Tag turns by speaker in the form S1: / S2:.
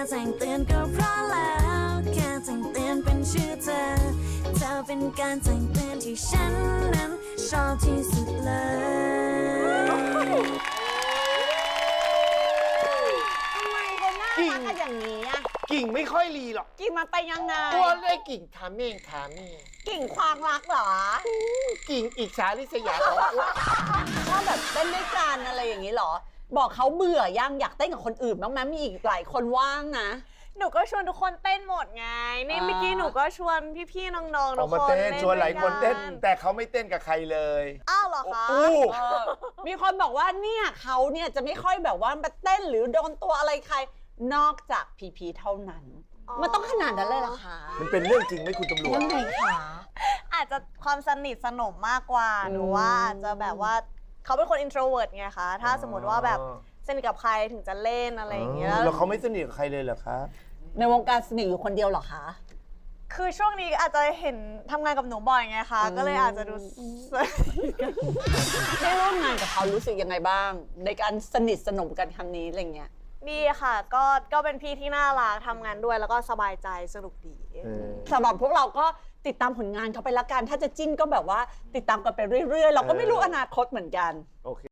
S1: แจ้งเตือนก็เพราะแล้วแค่แจ้งเตือนเป็นชื่อเธอเธอเป็นการแจ้งเตือนที่ฉันนั้นชอบที่สุดเลย
S2: ทำไมคนน่ารักกันอย่างนี้อะ
S3: กิ่งไม่ค่อยรีหรอก
S2: กิ่งมันไปยังไง
S3: ตัวได้กิ่งถามเองถามเอง
S2: กิ่งควางรักเหรอ
S3: กิ่งอิจฉาริษยาของอ้วน
S2: ชอบแบบเต้นด้วยกันอะไรอย่างนี้เหรอ บอกเขาเบื่อยังอยากเต้นกับคนอื่นบ้างไหมมีอีกหลายคนว่างนะ
S4: หนูก็ชวนทุกคนเต้นหมดไง นี่เมื่อกี้หนูก็ชวนพี่ๆน้องๆ
S3: อ
S4: ทุ
S3: อก
S4: ก
S3: มา
S4: คน
S3: เต้นชวนหลายคนเต้น
S4: ด้วยกั
S3: แต่เขาไม่เต้นกับใครเลย
S4: อ้าวเหรอคะ
S3: อู้
S2: มีคนบอกว่าเนี่ยเขาเนี่ยจะไม่ค่อยแบบว่ามาเต้นหรือโดนตัวอะไรใคร นอกจากพีพีเท่านั้น มันต้องขนาดนั้นเลยเหรอคะ
S3: มันเป็นเรื่องจริงไหมคุณตำรวจ
S2: ยังไงคะ
S4: อาจจะความสนิทสนมมากกว่าหนูว่าอาจจะแบบว่าเขาเป็นคน introvert ไงคะถ้าสมมติว่าแบบสนิทกับใครถึงจะเล่นอะไรอย่างเงี้ย
S3: แล้วเขาไม่สนิทกับใครเลยเหรอครับ
S2: ในวงการสนิทอยู่คนเดียวเหรอคะ
S4: คือช่วงนี้อาจจะเห็นทำงานกับหนูบ่อยไงคะก็เลยอาจจะดู
S2: ได้ร่วมงานกับเขารู้สึกยังไงบ้าง ในการสนิทสนมกันครั้งนี้อะไรเงี้ย
S4: ดีค่ะก็เป็นพี่ที่น่ารักทำงานด้วยแล้วก็สบายใจสนุกดี
S2: สำหรับพวกเราก็ติดตามผลงานเขาไปละกัน ถ้าจะจิ้นก็แบบว่าติดตามกันไปเรื่อยๆ เราก็ไม่รู้อนาคตเหมือนกัน
S3: โอเค